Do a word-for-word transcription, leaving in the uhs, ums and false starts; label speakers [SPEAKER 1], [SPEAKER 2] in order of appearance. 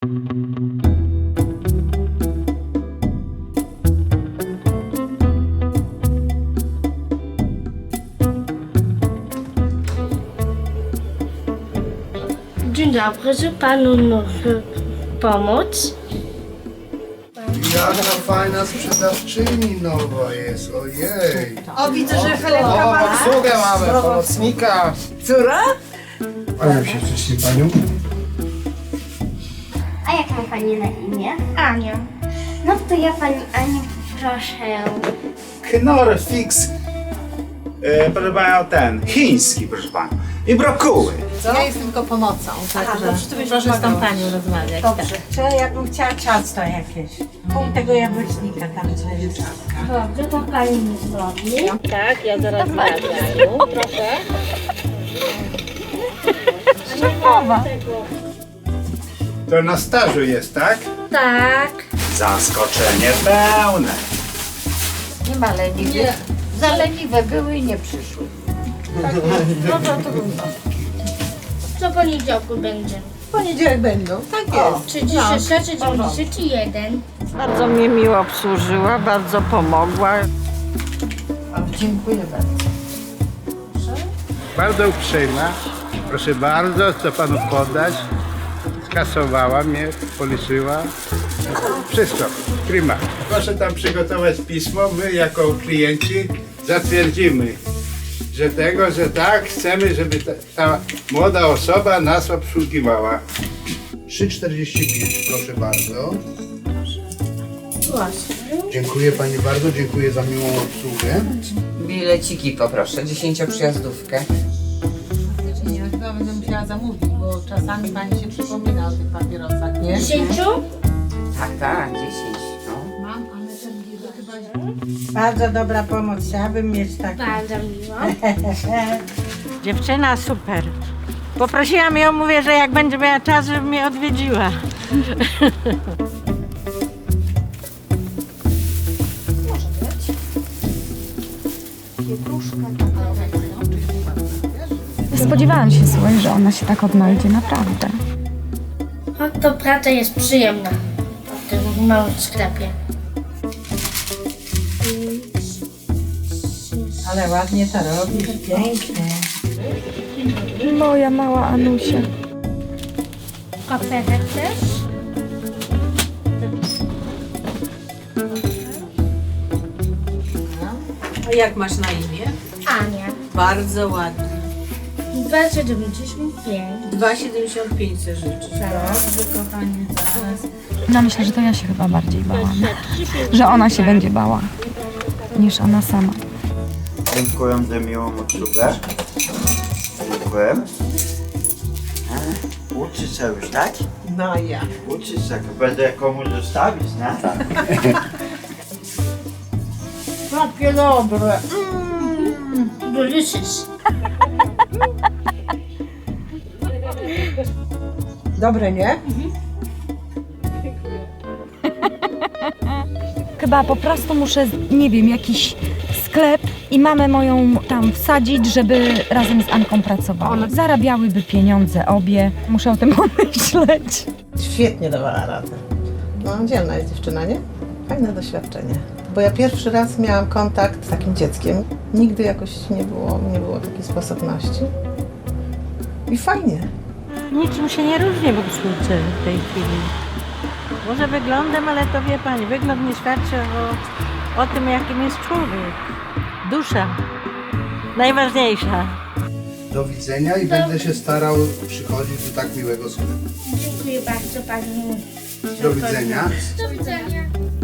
[SPEAKER 1] Dzień dobry, czy panu może pomóc?
[SPEAKER 2] Jaka fajna sprzedawczyni nowa jest, ojej.
[SPEAKER 3] O, widzę, że Helenka
[SPEAKER 2] O,
[SPEAKER 3] ma...
[SPEAKER 2] obsługę mamy, pomocnika.
[SPEAKER 3] Która?
[SPEAKER 2] Kłaniam się wcześniej panią.
[SPEAKER 4] A jak ma pani na imię?
[SPEAKER 1] Ania.
[SPEAKER 4] No to ja pani Aniu proszę.
[SPEAKER 5] Knor fix, e, proszę panią, ten, chiński, proszę pana. I brokuły.
[SPEAKER 3] Ja jestem tylko pomocą, także
[SPEAKER 6] Dobrze, to byś proszę z tą panią rozmawiać.
[SPEAKER 3] dobrze. Czy jakbym chciała ciasto jakieś? Pół tego jabłecznika tam co wieczorka.
[SPEAKER 1] Dobrze, to pani mi zrobi.
[SPEAKER 6] Tak, ja zaraz zamawiam. Proszę.
[SPEAKER 5] To na stażu jest, tak?
[SPEAKER 1] Tak.
[SPEAKER 5] Zaskoczenie pełne.
[SPEAKER 6] Nie ma leniwych. Za leniwe były i nie przyszły.
[SPEAKER 3] No to trudno.
[SPEAKER 1] Co poniedziałku będzie?
[SPEAKER 3] W poniedziałek będą, tak jest.
[SPEAKER 1] trzydzieści sześć, dziewięćdziesiąt jeden.
[SPEAKER 6] Bardzo mnie miło obsłużyła, bardzo pomogła.
[SPEAKER 3] Dziękuję bardzo.
[SPEAKER 7] Bardzo uprzejma. Proszę bardzo, co panu podać. Skasowała mnie, policzyła. Wszystko, prima. Proszę tam przygotować pismo. My jako klienci zatwierdzimy, że tego, że tak, chcemy, żeby ta, ta młoda osoba nas obsługiwała.
[SPEAKER 2] trzy czterdzieści pięć, proszę bardzo.
[SPEAKER 1] Właśnie.
[SPEAKER 2] Dziękuję pani bardzo, dziękuję za miłą obsługę.
[SPEAKER 8] Bileciki poproszę, dziesięcioprzyjazdówkę.
[SPEAKER 3] Ja chyba będę musiała zamówić, bo czasami pani się przypomina o tych papierosach, nie?
[SPEAKER 1] Dziesięciu?
[SPEAKER 8] Tak, tak, dziesięć. No.
[SPEAKER 3] Mam, ale ten bilet chyba... Bardzo dobra pomoc, chciałabym mieć taki.
[SPEAKER 1] Bardzo miło.
[SPEAKER 6] Dziewczyna super. Poprosiłam ją, mówię, że jak będzie miała czas, żeby mnie odwiedziła.
[SPEAKER 9] Spodziewałam się, słuchaj, że ona się tak odnajdzie, naprawdę.
[SPEAKER 1] No to praca jest przyjemna w tym małym sklepie.
[SPEAKER 3] Ale ładnie to robisz, pięknie.
[SPEAKER 9] Moja mała Anusia.
[SPEAKER 1] Koperek też?
[SPEAKER 3] A jak masz na imię?
[SPEAKER 1] Ania.
[SPEAKER 3] Bardzo ładnie.
[SPEAKER 1] dwa siedemdziesiąt pięć.
[SPEAKER 3] dwa siedemdziesiąt pięć se życzysz. Dobrze, kochanie, zaraz.
[SPEAKER 9] No myślę, że to ja się chyba bardziej bałam. Że ona się będzie bała, niż ona sama.
[SPEAKER 5] Dziękuję za miłą obsługę. Dziękuję. Uczyć się już, tak?
[SPEAKER 3] No ja.
[SPEAKER 5] Uczyć się, będę komuś zostawić, nie? Tak.
[SPEAKER 3] Takie dobre.
[SPEAKER 1] Delicious.
[SPEAKER 3] Dobre, nie?
[SPEAKER 9] Chyba po prostu muszę, nie wiem, jakiś sklep i mamę moją tam wsadzić, żeby razem z Anką pracowały. Zarabiałyby pieniądze obie. Muszę o tym pomyśleć.
[SPEAKER 3] Świetnie dawała radę. No, dzielna jest dziewczyna, nie? Fajne doświadczenie. Bo ja pierwszy raz miałam kontakt z takim dzieckiem. Nigdy jakoś nie było, nie było takiej sposobności. I fajnie.
[SPEAKER 6] Niczym się nie różni w obsłudze w tej chwili. Może wyglądem, ale to wie pani, wygląd nie świadczy o, o tym, jakim jest człowiek. Dusza. Najważniejsza.
[SPEAKER 2] Do widzenia i będę się starał przychodzić do tak miłego sklepu.
[SPEAKER 1] Dziękuję bardzo pani.
[SPEAKER 2] Do widzenia.
[SPEAKER 1] Do widzenia.